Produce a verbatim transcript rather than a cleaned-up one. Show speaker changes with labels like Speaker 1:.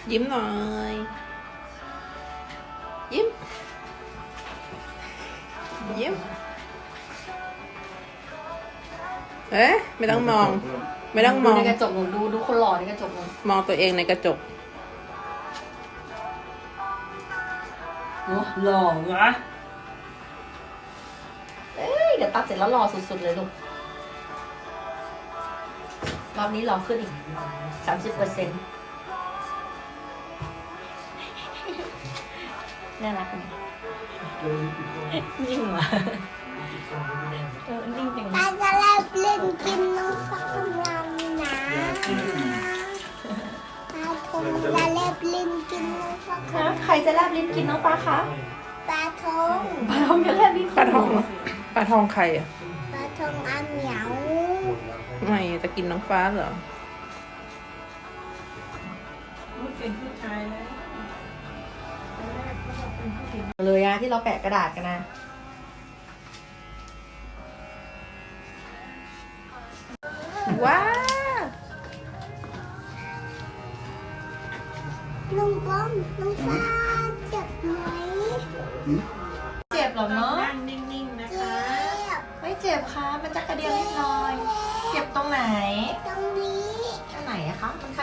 Speaker 1: ยิ้มหน่อยยิ้มยิ้มเอ๊ะไม่ต้องมอง ไม่ต้องม
Speaker 2: ดู
Speaker 1: อง
Speaker 2: ในกระจกหนูดูดูคนหล่อในกระจกหนู
Speaker 1: มองตัวเองในกระจก
Speaker 2: โอ้หล่อวะเอ้ยเดี๋ยวตัดเสร็จแล้วหล่อสุดๆเลยลูกรอบนี้หล่อขึ้นอีกสามสิบเปอร์เซ็นต์น่ารักไหมนิ่งว่ะเออนิ่งจัง
Speaker 3: ตาจะเล่นเล่นกินน้องฟักกำลังนะตาทงจะเล่นเล่นกินน้องฟัก
Speaker 2: ฮะใครจะแลบลิ้นกินน้องฟ้าคะ
Speaker 3: ปลาทง
Speaker 2: ปลาทองจะแลบลิ้น
Speaker 1: ปลาทองปลาทองใครอ่ะ
Speaker 3: ปลาทงอาเหมียว
Speaker 1: ไม่จะกินน้องฟ้าเหรอ
Speaker 2: เลยอะที่เราแปะกระดาษกันนะ
Speaker 1: ว้า
Speaker 3: ลุงป้อมน้องฟ้าเจ็บไหม
Speaker 2: เจ็บหรอเนาะ
Speaker 1: นิ่งๆนะ
Speaker 3: เจ็บ
Speaker 2: ไม่เจ็บค่ะมันจะกระเดียวนิดหน่อย เจ็บตรงไหน
Speaker 3: ตรงนี้
Speaker 2: ตรงไหนอะคะมัน